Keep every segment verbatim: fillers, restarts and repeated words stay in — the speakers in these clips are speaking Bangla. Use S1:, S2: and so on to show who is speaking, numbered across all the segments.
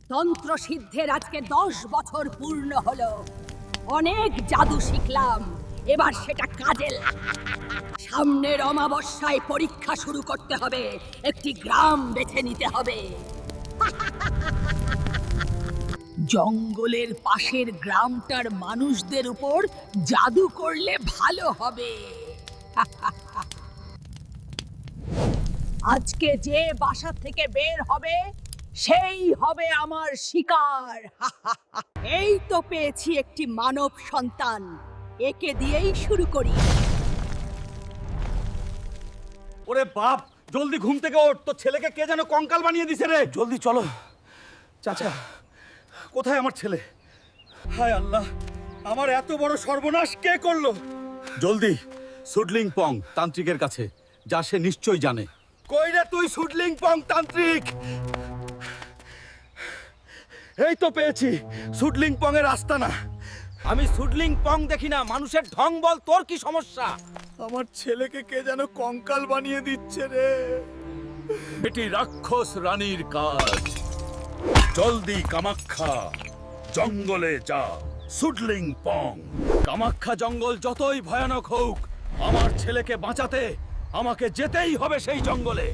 S1: তন্ত্র সিদ্ধের আজকে দশ বছর পূর্ণ হলো। অনেক জাদু শিখলাম, এবার সেটা কাজে লাগ- সামনের অমাবস্যায় পরীক্ষা শুরু করতে হবে। একটি গ্রাম বেছে নিতে হবে। জঙ্গলের পাশের গ্রামটার মানুষদের উপর জাদু করলে ভালো হবে। আজকে যে বাসা থেকে বের হবে সেই হবে আমার শিকার। এই তো পেয়েছি একটি মানব সন্তান, একে দিয়েই শুরু করি।
S2: ওরে বাপ, জলদি ঘুম থেকে ওঠ, তোর ছেলেকে কে যেন কঙ্কাল বানিয়ে দিছে রে। জলদি চলো। চাচা, কোথায় আমার ছেলে? হায় আল্লাহ, আমার এত বড় সর্বনাশ কে করলো? জলদি সুডলিং পং তান্ত্রিকের কাছে যা, সে নিশ্চয়ই জানে। কই রে তুই সুডলিং পং তান্ত্রিক? এই তো পেয়েছি সুডলিং পং এর আস্তানা। আমি সুডলিং পং দেখি না, মানুষের ঢং বল, তোর কি সমস্যা? আমার ছেলেকে কে যেন কঙ্কাল বানিয়ে দিচ্ছে রে। এটি রাক্ষস রানীর কাজ। জলদি কামাখ্যা জঙ্গলে যা। সুডলিং পং। কামাখ্যা জঙ্গল যতই ভয়ানক হোক, আমার ছেলেকে বাঁচাতে আমাকে যেতেই হবে সেই জঙ্গলে।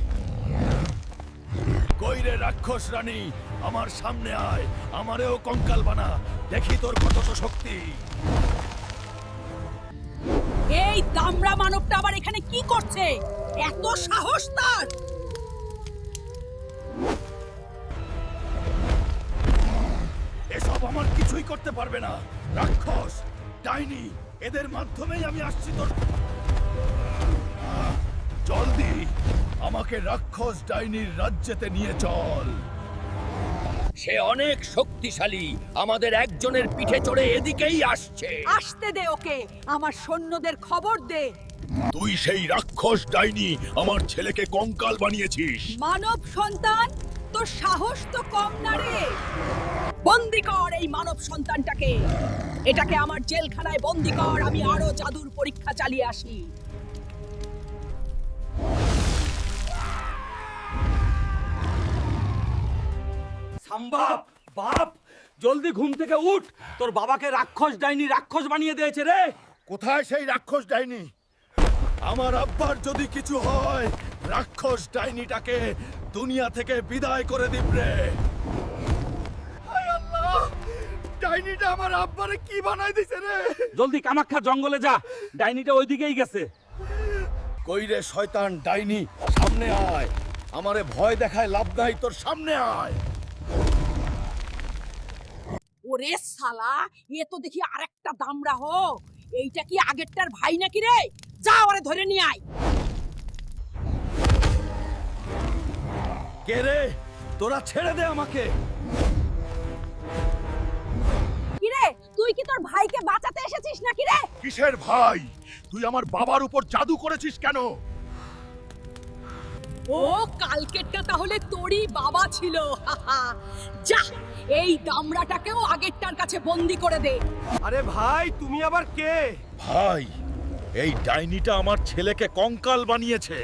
S2: কইরে রাক্ষস রানী, আমার সামনে আয়, আমারেও কঙ্কাল বানা, দেখি তোর কত শক্তি।
S1: এই দামড়া মানবটা আবার এখানে কি করছে? এত সাহস তার!
S2: এসব আমার কিছুই করতে পারবে না। রাক্ষস, ডাইনি, এদের মাধ্যমেই আমি আসছি তোর। জলদি আমাকে রাক্ষস ডাইনির রাজ্যেতে নিয়ে চল। সে অনেক শক্তিশালী, আমাদের একজনের পিঠে চড়ে এদিকেই আসছে।
S1: আসতে দে ওকে, আমার সৈন্যদের খবর দে।
S2: তুই সেই রাক্ষস ডাইনি, আমার ছেলেকে কঙ্কাল বানিয়েছিস।
S1: মানব সন্তান, তোর সাহস তো কম না রে। বন্দি কর এই মানব সন্তানটাকে। এটাকে আমার জেলখানায় বন্দি কর, আমি আরো জাদুর পরীক্ষা চালিয়ে আসি।
S2: সম্ভব বাপ, জলদি ঘুম থেকে উঠ, তোর বাবাকে রাক্ষস ডাইনি রাক্ষস বানিয়ে দিয়েছে রে। কোথায় সেই রাক্ষস ডাইনি? আমার আব্বার যদি কিছু হয়, রাক্ষস ডাইনিটাকে দুনিয়া থেকে বিদায় করে দিব রে। হায় আল্লাহ, ডাইনিটা আমার আব্বারে কি বানাই দিছে রে। জলদি কামাখ্যা জঙ্গলে যা, ডাইনিটা ওইদিকেই গেছে। কই রে শয়তান ডাইনি, সামনে আয়, আমারে ভয় দেখায় লাভ নাই, তোর সামনে আয়।
S1: ওরে শালা, এ তো দেখি আরেকটা দামড়া হো। এইটা কি আগেরটার ভাই নাকি রে? যা ওরে ধরে নিয়ে আয়।
S2: কে রে? তোরা ছেড়ে দে আমাকে।
S1: কি রে, তুই কি তোর ভাইকে বাঁচাতে এসেছিস নাকি রে?
S2: কিসের ভাই? তুই আমার বাবার উপর জাদু করেছিস কেন?
S1: ও কালকেরটা তাহলে তোরই বাবা ছিল। যা, এই দামড়াটাকেও আগেরটার কাছে বন্দি করে দে।
S2: আরে ভাই, তুমি আবার কে? ভাই, এই ডাইনিটা আমার ছেলেকে কঙ্কাল বানিয়েছে।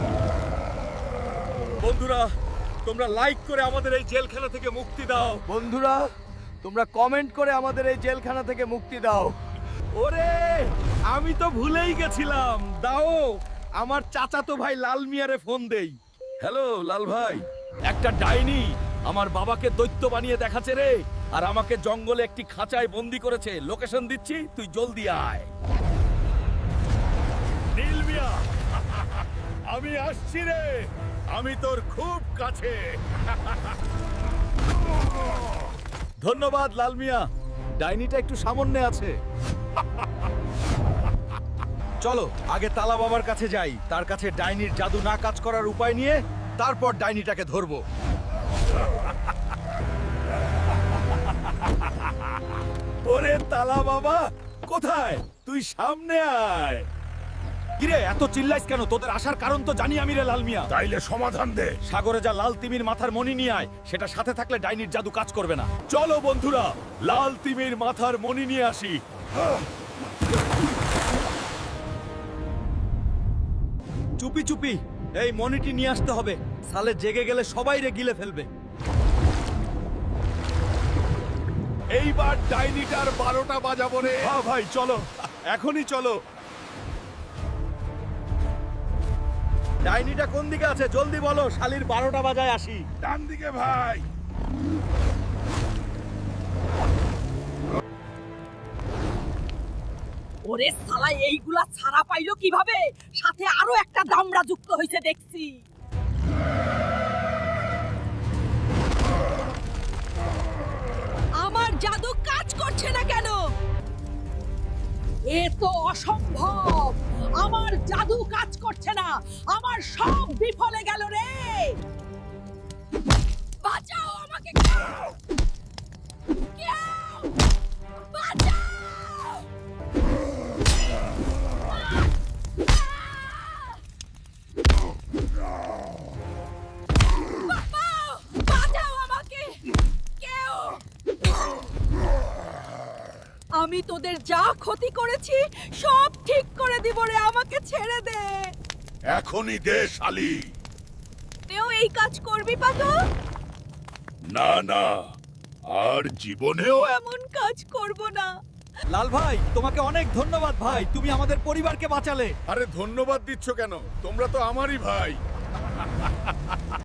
S2: বন্ধুরা, তোমরা লাইক করে আমাদের এই জেলখানা থেকে মুক্তি দাও।
S3: বন্ধুরা, তোমরা কমেন্ট করে আমাদের এই জেলখানা থেকে মুক্তি দাও।
S2: ওরে, আমি তো ভুলেই গেছিলাম। দাও, আমার চাচাতো ভাই লাল মিয়ারে ফোন দেই। হ্যালো লাল ভাই, একটা ডাইনি আমার বাবাকে দৈত্য বানিয়ে দেখাচ্ছে রে, আর আমাকে জঙ্গলে একটি খাঁচায় বন্দি করেছে। লোকেশন দিচ্ছি, তুই জলদি আয়। নীল মিয়া, আমি আসছি রে, আমি তোর খুব কাছে। ধন্যবাদ লাল মিয়া, ডাইনিটা একটু সামনে আছে। চলো আগে তালা বাবার কাছে যাই, তার কাছে ডাইনির জাদু না কাজ করার উপায় নিয়ে তারপর ডাইনিটাকে ধরবো। ওরে তালা বাবা, কোথায় তুই? সামনে আয়। কিরে এত চিল্লাইস কেন? তোদের আসার কারণ তো জানি আমি রে লাল মিয়া। তাইলে সমাধান দে। সাগরে যা লাল তিমির মাথার মণি নিয়ে আয়, সেটা সাথে থাকলে ডাইনির জাদু কাজ করবে না। চলো বন্ধুরা, লাল তিমির মাথার মণি নিয়ে আসি। চুপি চুপি এই মণিটি নিয়ে আসতে হবে, সালে জেগে গেলে সবাই রে গিলে ফেলবে।
S4: এইবার ডাইনিটার বারোটা বাজাবো রে।
S2: হ্যাঁ ভাই চলো, এখনই চলো। ডাইনিটা কোন দিকে আছে জলদি বলো, শালির বারোটা বাজায় আসি।
S4: ডান দিকে ভাই।
S1: ওরে শালা, এইগুলা ছাড়া পাইলো কিভাবে? সাথে আরো একটা দামড়া যুক্ত হইছে দেখছি। আমার জাদু কাজ করছে না কেন? এ তো অসম্ভব। আমার জাদু কাজ করছে না, আমার সব বিফলে গেল রে। বাঁচাও আমাকে, কেউ! কেউ! বাঁচাও! বাবা! বাঁচাও আমাকে! কেউ! আমি তোদের যা ক্ষতি করেছি সব ঠিক করে দিব রে, আমাকে ছেড়ে দে।
S4: এখনই দে শালি।
S1: তুইও এই কাজ করবি পাগল?
S4: না না, আর জীবনেও
S1: এমন কাজ করব না।
S2: লাল ভাই তোমাকে অনেক ধন্যবাদ ভাই, তুমি আমাদের পরিবারকে বাঁচালে।
S4: আরে ধন্যবাদ দিচ্ছ কেন? তোমরা তো আমারই ভাই।